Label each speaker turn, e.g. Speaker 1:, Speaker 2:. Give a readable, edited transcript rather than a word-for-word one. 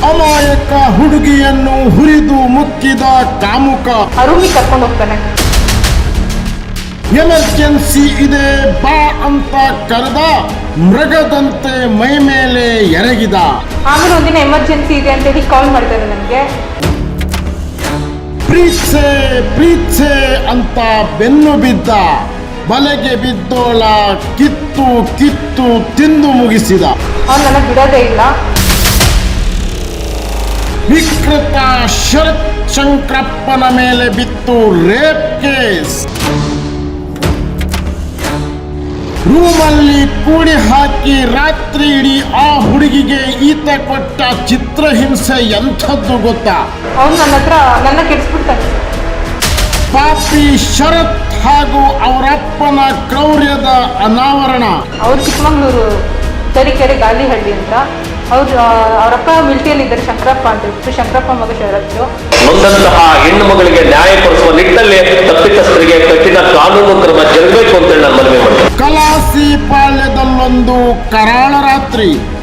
Speaker 1: ಅಮಾಯಕ ಹುಡುಗಿಯನ್ನು ಹುರಿದು ಮುಕ್ಕಿದ ಕಾಮುಕ
Speaker 2: ರೂಮಿಗೆ ಕರ್ಕೊಂಡು ಹೋಗ್ತಾನೆ.
Speaker 1: ಎಮರ್ಜೆನ್ಸಿ ಇದೆ ಬಾ ಅಂತ ಕರೆದ, ಮೃಗದಂತೆ ಮೈ ಮೇಲೆ ಎರಗಿದ.
Speaker 2: ಆಮೇಲೆ ಒಂದಿನ ಎಮರ್ಜೆನ್ಸಿ ಇದೆ ಅಂತ ಹೇಳಿ ಕಾಲ್ ಮಾಡ್ತಾರೆ ನನಗೆ.
Speaker 1: ಪ್ರೀತ್ಸೆ ಅಂತ ಬೆನ್ನು ಬಿದ್ದ, ಬಲೆಗೆ ಬಿದ್ದೋಳ ಕಿತ್ತು ಕಿತ್ತು ತಿಂದು ಮುಗಿಸಿದ.
Speaker 2: ಅವ್ನು ನನ್ನ ಬಿಡೋದೇ ಇಲ್ಲ.
Speaker 1: ವಿಕೃತ ಶರತ್ ಶಂಕರಪ್ಪನ ಮೇಲೆ ಬಿತ್ತು ರೇಪ್ ಕೇಸ್. ರೂಮಲ್ಲಿ ಕೂಡಿ ಹಾಕಿ ರಾತ್ರಿ ಇಡೀ ಆ ಹುಡುಗಿಗೆ ಈತ ಕೊಟ್ಟ ಚಿತ್ರಹಿಂಸೆ ಎಂಥದ್ದು ಗೊತ್ತಾ?
Speaker 2: ಅವನು ನನ್ನ ಕೆಡಿಸ್ಬಿಡ್ತಾನೆ.
Speaker 1: ಪಾಪಿ ಶರತ್ ಹಾಗೂ ಅವರಪ್ಪನ ಕ್ರೌರ್ಯದ ಅನಾವರಣ.
Speaker 2: ಅವ್ರು ಚಿಕ್ಕಮಂಗ್ಳೂರು ತರೀಕೆರೆ ಗಾಲಿಹಳ್ಳಿ ಅಂತ. ಅವರಪ್ಪ ಮಿಲಿಟರಿಯಲ್ಲಿ ಇದ್ದಾರೆ, ಶಂಕರಪ್ಪ ಅಂತ ಹೇಳ್ಬಿಟ್ಟು. ಶಂಕರಪ್ಪ ಮಗ ಶರತ್ತು.
Speaker 3: ನೊಂದಂತಹ ಹೆಣ್ಣು ಮಗಳಿಗೆ ನ್ಯಾಯ ಕೊಡಿಸುವ ನಿಟ್ಟಿನಲ್ಲಿ ತಪ್ಪಿತಸ್ಥರಿಗೆ ಕಠಿಣ ಕಾನೂನು ಕ್ರಮ ಜರುಗಬೇಕು ಅಂತ ನಾನು ಮನವಿ ಮಾಡ್ತೇನೆ.
Speaker 1: ಕಲಾಸಿ ಪಾಳ್ಯದಲ್ಲೊಂದು ಕರಾಳ ರಾತ್ರಿ.